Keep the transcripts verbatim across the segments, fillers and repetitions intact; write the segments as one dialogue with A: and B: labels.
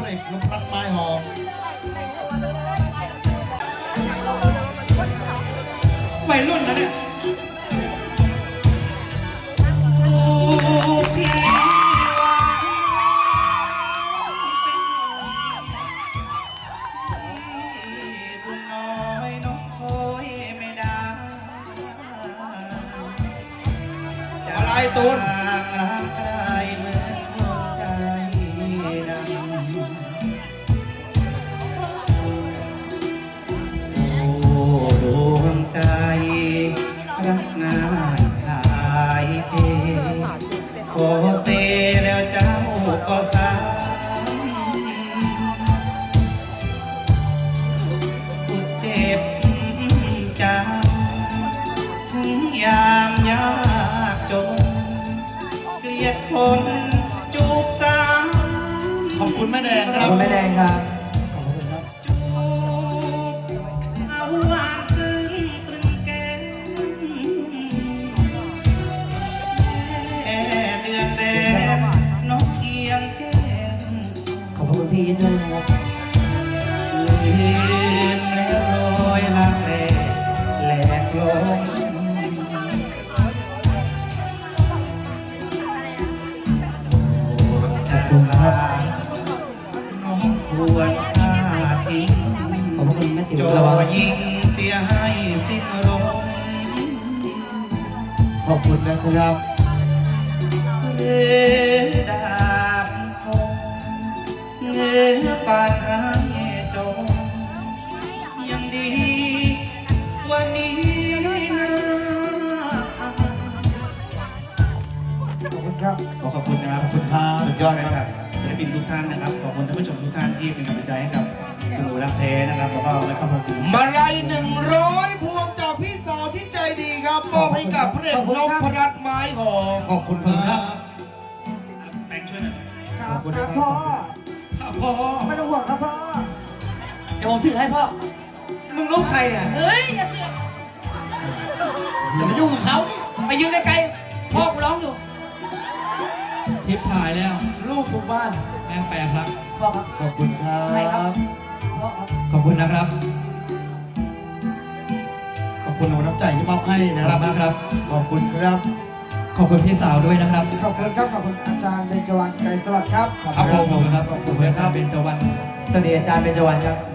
A: เอกลุงรัดไม้หอม
B: วัยรุ่นนะเนี่ย
A: ไอ้ตูน
B: รักงานขายเทโอเซแล้วเจ้าก็สายสุดเจ็บจังถึงยามยากจนเกลียดคนจูบสาว
A: ขอบคุณแม่แดงครับ
C: แม่แดงครับขอบคุณพี่ด้วยนะครับ
B: ลืมแล้วรอยลักแหลแหลกลงจะตุลาน้องควรฆ่าทิ้ง
C: ขอบคุณแม่ติ๋ว
B: จ่อยิงเสียให้สิ้นลม
A: ขอบคุณนะครับ
B: เลือดาบคงเงื้อปานหางจงยังดีวันนี้นะ
A: ขอบคุณครับ
B: ขอขอบคุณนะครับ
A: ขอบคุณครับ
B: สุดยอดนะครับศิลปินทุกท่านนะครับขอบคุณท่านผู้ชมทุกท่านที่เป็นกำลังใจให้กับคุณหนูรักแท้นะครับแล้วก็นะครับผม
A: มาลัยหนึ่งร้อยพวงจากพี่สาวที่ใจดีครับมอบให้กับพระเอกนพรัตน์ไม้หอมขอบคุณครับ
B: แบงค์ช่วยหน่อย
C: ครับครับพ่อ
B: ครับพ่อ
C: ไม่ต้องห่วงครับพ่อเดี๋ยวผมถือให้พ่อมึงลูกใครเนี่ยเฮ้ยอย่าเสือก
A: อย่ามายุ่งกับเขา
C: ไปยืนไกลๆพ่อกูร้องอยู่
B: ชิปหายแล้ว
C: ลูกถูกบ้าน
B: แม่งแปรครับ
C: พ่อครับ
A: ขอบคุณครับ
C: ใครครับพ่อครับ
B: ขอบคุณนะครับ
A: ขอบคุณน้ำใจที่มอบให้นะครับ
B: มากครับ
A: ขอบคุณครับ
B: ขอบคุณพี่สาวด้วยนะครับ
C: ขอบคุณครับขอบคุณอาจารย์เบญจวรรณไกรสวัสดิ์ครับ
B: ขอบคุณครับขอบคุณอาจารย์เบญจวรรณ
C: สวัสดีอาจารย์เบญจวรรณครับ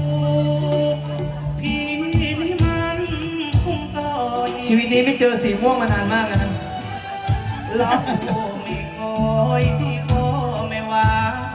C: ชีวิตนี้ไม่เจอสีม่วงมานานมากแล้วนะ
B: รักไม่คอยพี่ก็ไม่ว่า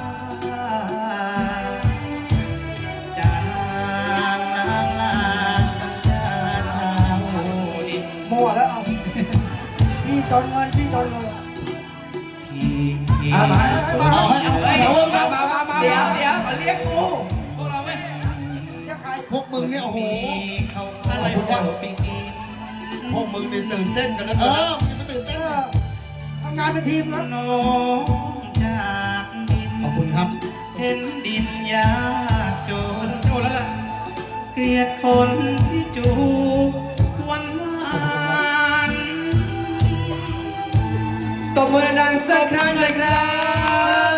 B: จางนางลางจาชาวดิน
C: มั่วแล้วเอาพี่จนเงินพี่จนเงิน
B: พี่พี่
C: เอามา
A: เอาให้เอาให้เอามามามามา
C: เดี๋ยวเดี๋ยวเขาเรียกกู
B: พวกเราไหม
A: เรียกใครพวกมึงเนี่ยโอ้โห
B: เขาอะไรพวกเราไปกิน
A: พวกมึงนี่ตื่นเต้นกันแล้วเออมึงจะตื่นเต้น
C: ทำงานเป็นทีมนะ
B: น้องจากดิน
A: ขอบคุณครับ
B: เห็นดินยากจนโจแล้วล่ะเกลียดคนที่จูบวันวาน
C: ตบมือดังสักครั้งเลยครับ